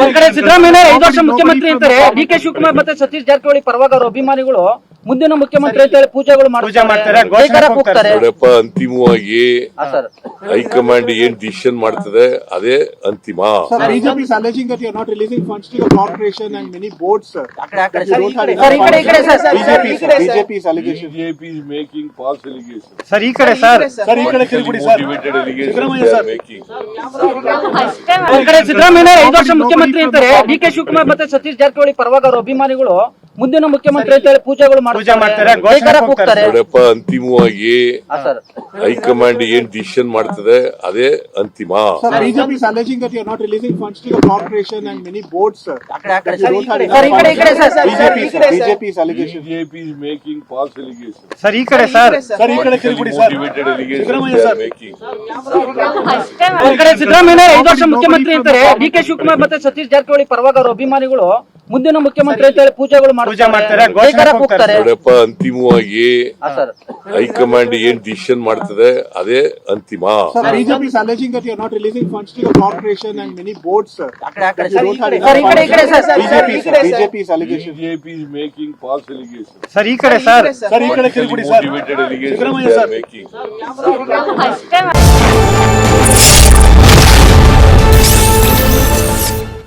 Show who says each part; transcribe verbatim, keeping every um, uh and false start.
Speaker 1: ಈ ಕಡೆ ಸಿದ್ದರಾಮಯ್ಯ ಐದು ವರ್ಷ ಮುಖ್ಯಮಂತ್ರಿ ಅಂತಾರೆ, ಡಿ ಕೆ ಶಿವಕುಮಾರ್ ಮತ್ತೆ ಸತೀಶ್ ಜಾರಕಿಹೊಳಿ ಪರವಾಗಿ ಅವರ ಅಭಿಮಾನಿಗಳು ಮುಂದಿನ ಮುಖ್ಯಮಂತ್ರಿ ಅಂತ ಹೇಳಿ ಪೂಜೆಗಳು ಮಾಡ್ತಾರೆ, ಹೋಗ್ತಾರೆ.
Speaker 2: ನೋಡಪ್ಪ, ಅಂತಿಮವಾಗಿ ಹೈಕಮಾಂಡ್ ಏನ್ ಡಿಸಿಷನ್ ಮಾಡ್ತದೆ ಅದೇ ಅಂತಿಮ.
Speaker 3: BJP is alleging that you are not releasing funds to the corporation and many boards, sir. BJP is allegation.
Speaker 2: BJP is making false allegations.
Speaker 3: Sir ಈ ಕಡೆ ಸರ್ ಸರ್ ಈ ಕಡೆ ತಿರುಗಿಬಿಡಿ sir.
Speaker 2: Motivated allegations they are making.
Speaker 1: ಈ ಕಡೆ ಸಿದ್ದರಾಮಯ್ಯ ಐದು ವರ್ಷ ಮುಖ್ಯಮಂತ್ರಿ ಅಂತಾರೆ, ಡಿ ಕೆ ಶಿವಕುಮಾರ್ ಮತ್ತೆ ಸತೀಶ್ ಜಾರಕಿಹೊಳಿ ಪರವಾಗಿ ಅವರ ಅಭಿಮಾನಿಗಳು ಮುಂದಿನ ಮುಖ್ಯಮಂತ್ರಿ ಅಂತ ಹೇಳಿ ಪೂಜೆಗಳು ಮಾಡ್ತಾರೆ, ಹೋಗ್ತಾರೆ.
Speaker 2: ನೋಡಪ್ಪ, ಅಂತಿಮವಾಗಿ ಹೈಕಮಾಂಡ್ ಏನ್ ಡಿಸಿಷನ್ ಮಾಡ್ತದೆ ಅದೇ ಅಂತಿಮ.
Speaker 3: BJP is alleging that you are not releasing funds to the corporation and many boards, sir. BJP is allegation.
Speaker 2: BJP is making false allegations.
Speaker 3: Sir ಈ ಕಡೆ ಸರ್ ಸರ್ ಈ ಕಡೆ ತಿರುಗಿಬಿಡಿ sir.
Speaker 2: Motivated allegations they are making.
Speaker 1: ಈ ಕಡೆ ಸಿದ್ದರಾಮಯ್ಯ ಐದು ವರ್ಷ ಮುಖ್ಯಮಂತ್ರಿ ಅಂತಾರೆ, ಡಿ ಕೆ ಶಿವಕುಮಾರ್ ಮತ್ತೆ ಸತೀಶ್ ಜಾರಕಿಹೊಳಿ ಪರವಾಗಿ ಅವರ ಅಭಿಮಾನಿಗಳು ಮುಂದಿನ ಮುಖ್ಯಮಂತ್ರಿ ಅಂತ ಹೇಳಿ ಪೂಜೆಗಳು ಮಾಡ್ತಾರೆ, ಹೋಗ್ತಾರೆ.
Speaker 2: ನೋಡಪ್ಪ, ಅಂತಿಮವಾಗಿ ಹೈಕಮಾಂಡ್ ಏನ್ ಡಿಸಿಷನ್ ಮಾಡ್ತದೆ ಅದೇ ಅಂತಿಮ.
Speaker 3: BJP is alleging that you are not releasing funds to the corporation and many boards, sir. BJP is allegation.
Speaker 2: BJP is making false allegations.
Speaker 3: Sir ಈ ಕಡೆ ಸರ್ ಸರ್ ಈ ಕಡೆ ತಿರುಗಿಬಿಡಿ sir.
Speaker 2: Motivated allegations they are making.